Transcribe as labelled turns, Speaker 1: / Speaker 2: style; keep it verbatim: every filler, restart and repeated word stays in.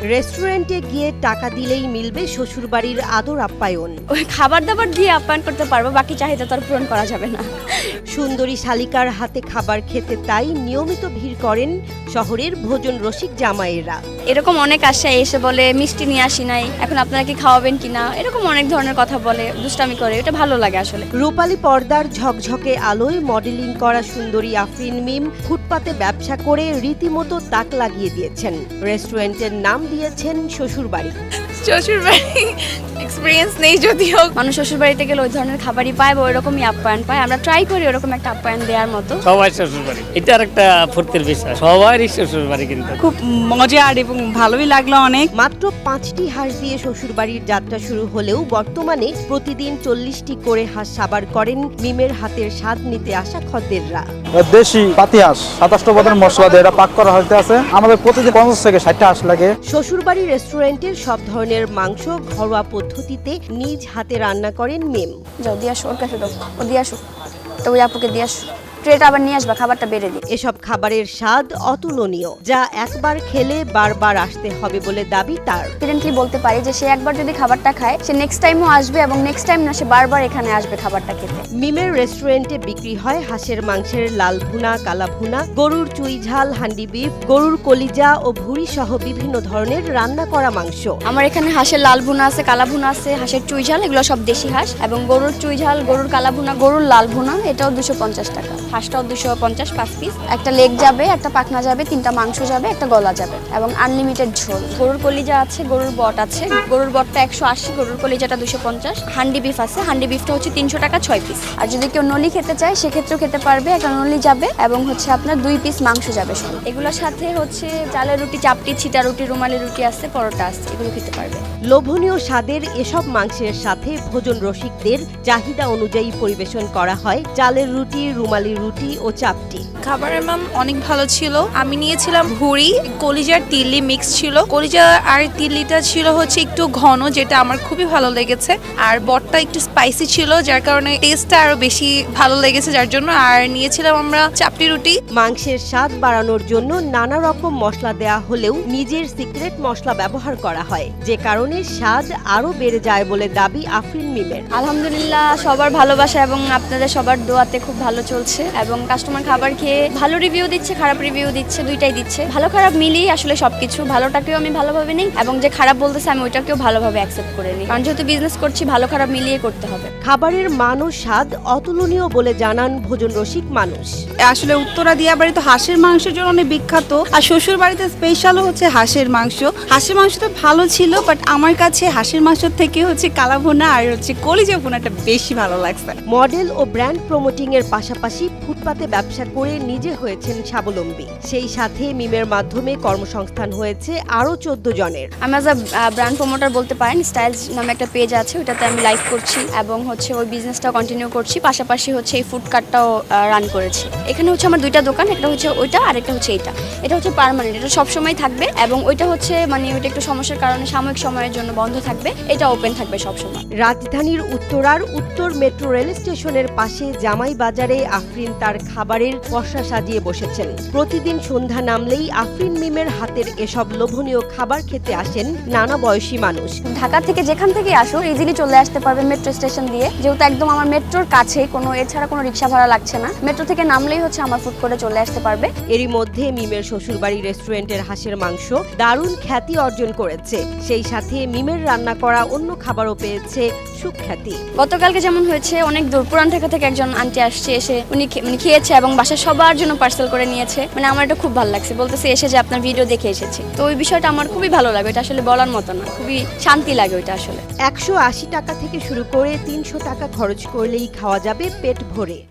Speaker 1: রেস্টুরেন্টে গিয়ে টাকা দিলেই মিলবে শ্বশুরবাড়ির আদর আপ্যায়ন।
Speaker 2: ওই খাবার দাবার দিয়ে আপ্যায়ন করতে পারবো, বাকি চাহিদা তো আর পূরণ করা যাবে না।
Speaker 1: সুন্দরী শালিকার হাতে খাবার খেতে তাই নিয়মিত ভিড় করেন শহরের ভোজন রসিক জামাইয়েরা।
Speaker 2: এরকম অনেক আসে, এসে বলে মিষ্টি নিয়ে আসি নাই, এখন আপনারা কি খাওয়াবেন কিনা, এরকম অনেক ধরনের কথা বলে, দুষ্টামি করে, এটা ভালো লাগে আসলে।
Speaker 1: রূপালী পর্দার ঝকঝকে আলোয় মডেলিং করা সুন্দরী আফরিন মিম ফুটপাতে ব্যবসা করে রীতিমতো তাক লাগিয়ে দিয়েছেন। রেস্টুরেন্টের নাম দিয়েছেন শ্বশুরবাড়ি।
Speaker 3: শ্বশুরবাড়ি এক্সপিরিয়েন্স নেই যদিও,
Speaker 2: মানুষ শ্বশুর বাড়িতে গেলে ওই ধরনের খাবারই পায় বা ওইরকমই আপ্যায়ন পায়। আমরা ট্রাই করি ওরকম একটা আপ্যায়ন দেওয়ার মতো।
Speaker 4: সবাই শ্বশুরবাড়ি, এটা আর একটা ফুর্তির বিষয়, সবারই শ্বশুরবাড়ি কিন্তু
Speaker 3: খুব মজার এবং ভালোই লাগলো অনেক।
Speaker 1: মাত্র পাঁচটি হাঁস দিয়ে শ্বশুরবাড়ির যাত্রা শুরু হলেও বর্তমানে প্রতিদিন চল্লিশটি করে হাঁস সাবার করেন মিমের হাতের স্বাদ নিতে আসা খদ্দেররা।
Speaker 5: দেশি পাতি হাঁস সাতাশটা পদের মশলা দিয়ে এটা পাক করা হইতে আছে। আমাদের প্রতিদিন পঞ্চাশ থেকে ষাটটা হাঁস লাগে।
Speaker 1: শ্বশুরবাড়ি রেস্টুরেন্টের সব ধরনের মাংস ঘরোয়া পদ্ধতিতে নিজ হাতে রান্না করেন মিম।
Speaker 2: যাও দিয়ে আসো, ওর কাছে দাও, ও দিয়ে আসো, তো ওই আপুকে দিয়ে আসো, ট্রেটা আবার নিয়ে আসবা, খাবারটা বেড়ে দিই।
Speaker 1: এসব খাবারের স্বাদ অতুলনীয়, যা একবার খেলে বারবার আসতে হবে বলে দাবি তার।
Speaker 2: কনফিডেন্টলি বলতে পারি যে সে একবার যদি খাবারটা খায়, সে নেক্সট টাইমও আসবে এবং নেক্সট টাইম না, সে বারবার এখানে আসবে খাবারটা খেতে।
Speaker 1: মিমের রেস্টুরেন্টে বিক্রি হয় হাঁসের মাংসের লাল ভুনা, কালা ভুনা, গরুর চুই ঝাল, হান্ডি বিফ, গরুর কলিজা ও ভুঁড়ি সহ বিভিন্ন ধরনের রান্না করা মাংস।
Speaker 2: আমার এখানে হাঁসের লাল ভুনা আছে, কালা ভুনা আছে, হাঁসের চুই ঝাল, এগুলো সব দেশি হাঁস, এবং গরুর চুই ঝাল, গরুর কালা ভুনা, গরুর লাল ভুনা, এটাও দুশো পঞ্চাশ টাকা, হাঁসটাও দুশো পঞ্চাশ পাঁচ পিস। একটা লেগ যাবে, একটা পাখনা যাবে, তিনটা মাংস যাবে, একটা গলা যাবে, এবং আনলিমিটেড ঝোল। গরুর কলিজা আছে, গরুর বট আছে, গরুর বটটা একশো আশি, গরুর কলিজাটা দুশো পঞ্চাশ। হান্ডি বিফ আছে, হান্ডি বিফটা হচ্ছে তিনশো টাকা ছয় পিস। আর যদি কেউ নলি খেতে চায় সেক্ষেত্রেও খেতে পারবে, একটা নলি যাবে এবং হচ্ছে আপনার দুই পিস মাংস যাবে সব। এগুলোর সাথে হচ্ছে চালের রুটি, চাপটি, ছিটা রুটি, রুমালি রুটি আছে, পরোটা আছে, এগুলো খেতে পারবে।
Speaker 1: লোভনীয় স্বাদের এসব মাংসের সাথে ভোজন রসিকদের চাহিদা অনুযায়ী পরিবেশন করা হয় চালের রুটি, রুমালি রুটি ও চাপটি।
Speaker 3: খাবারের মান অনেক ভালো ছিল। আমি নিয়েছিলাম ভুড়ি, কলিজার তিল্লি মিক্স ছিল। কলিজা আর তিল্লিটা ছিল হচ্ছে একটু ঘন, যেটা আমার খুবই ভালো লেগেছে। আর বটটা একটু স্পাইসি ছিল, যার কারণে টেস্টটা আরো বেশি ভালো লেগেছে, যার জন্য। আর নিয়েছিলাম আমরা চাপটি রুটি।
Speaker 1: মাংসের স্বাদ বাড়ানোর জন্য নানা রকম মশলা দেয়া হলেও নিজের সিক্রেট মশলা ব্যবহার করা হয়, যে কারণে স্বাদ আরো বেড়ে যায় বলে দাবি আফরিন মিমের।
Speaker 2: আলহামদুলিল্লাহ, সবার ভালোবাসা এবং আপনাদের সবার দোয়াতে খুব ভালো চলছে, এবং কাস্টমার খাবার খেয়ে ভালো রিভিউ দিচ্ছে, খারাপ রিভিউ দিচ্ছে, দুইটাই দিচ্ছে। ভালো খারাপ মিলিয়ে আসলে সবকিছু, ভালোটাকেও আমি ভালোভাবে নেই এবং যে খারাপ বলতেছে আমি ওইটাকেও ভালোভাবে অ্যাকসেপ্ট করে নিই, কারণ যেহেতু বিজনেস করছি ভালো খারাপ মিলিয়ে করতে হবে।
Speaker 1: খাবারের মান ও স্বাদ অতুলনীয় বলে জানান ভোজন রসিক মানুষ।
Speaker 6: আসলে উত্তরা দিয়াবাড়ি তো হাঁসের মাংসের জন্য অনেক বিখ্যাত, আর শ্বশুর বাড়িতে স্পেশাল হচ্ছে হাঁসের মাংস। হাঁসের মাংস তো ভালো ছিল, বাট আমার কাছে হাঁসের মাংস থেকে হচ্ছে কালা ভুনা আর হচ্ছে কলিজা ভুনাটা বেশি ভালো লাগছে।
Speaker 1: মডেল ও ব্র্যান্ড প্রমোটিং এর পাশাপাশি ফুটপাতে ব্যবসা করে নিজে হয়েছেন স্বাবলম্বী। সেই সাথে মিমের মাধ্যমে কর্মসংস্থান হয়েছে আরো চোদ্দ জনের।
Speaker 2: আমি অ্যাজ আ ব্র্যান্ড প্রমোটার বলতে পারেন, স্টাইলস নামে একটা পেজ আছে, ওটাতে আমি লাইভ করছি এবং হচ্ছে ওই বিজনেসটাও কন্টিনিউ করছি, পাশাপাশি হচ্ছে এই ফুড কার্টটাও রান করেছি। এখানে হচ্ছে আমার দুইটা দোকান, একটা হচ্ছে ওইটা আর একটা হচ্ছে এইটা। এটা হচ্ছে পার্মানেন্ট, এটা সবসময় থাকবে, এবং ওইটা হচ্ছে মানে ওইটা একটু সমস্যার কারণে সাময়িক সময়ের জন্য বন্ধ থাকবে, এটা ওপেন থাকবে সবসময়।
Speaker 1: রাজধানীর উত্তরার উত্তর মেট্রো রেল স্টেশনের পাশে জামাই বাজারে আফরিন তার খাবারের পসরা সাজিয়ে বসেছেন। প্রতিদিন সন্ধ্যা নামলেই আফরিন মিমের হাতের এসব লোভনীয় খাবার খেতে আসেন নানা বয়সী মানুষ।
Speaker 2: ঢাকা থেকে যেখান থেকে আসো ইজিলি চলে আসতে পারবে মেট্রো স্টেশন দিয়ে, যেহেতু একদম আমার মেট্রোর কাছে, কোনো এছাড়া কোনো রিক্সা ভাড়া লাগছে না। মেট্রো থেকে নামলেই হচ্ছে আমার ফুড কোর্টে চলে আসতে পারবে।
Speaker 1: এরই মধ্যে মিমের শ্বশুরবাড়ি রেস্টুরেন্টের হাঁসের মাংস দারুণ খ্যাতি অর্জন করেছে। সেই সাথে মিমের রান্না করা অন্য খাবারও পেয়েছে সুখ্যাতি।
Speaker 2: গতকালকে যেমন হয়েছে, অনেক দূর পুরান ঢাকা থেকে একজন আন্টি আসছে, এসে উনি মানে খেয়েছে এবং বাসায় সবার জন্য পার্সেল করে নিয়েছে। মানে আমার এটা খুব ভালো লাগছে, বলতেছে এসে যে আপনার ভিডিও দেখে এসেছে। তো ওই বিষয়টা আমার খুবই ভালো লাগে, এটা আসলে বলার মতো না, খুবই শান্তি লাগে ওইটা আসলে।
Speaker 1: একশো আশি টাকা থেকে শুরু করে তিনশো টাকা খরচ করলেই খাওয়া যাবে পেট ভরে।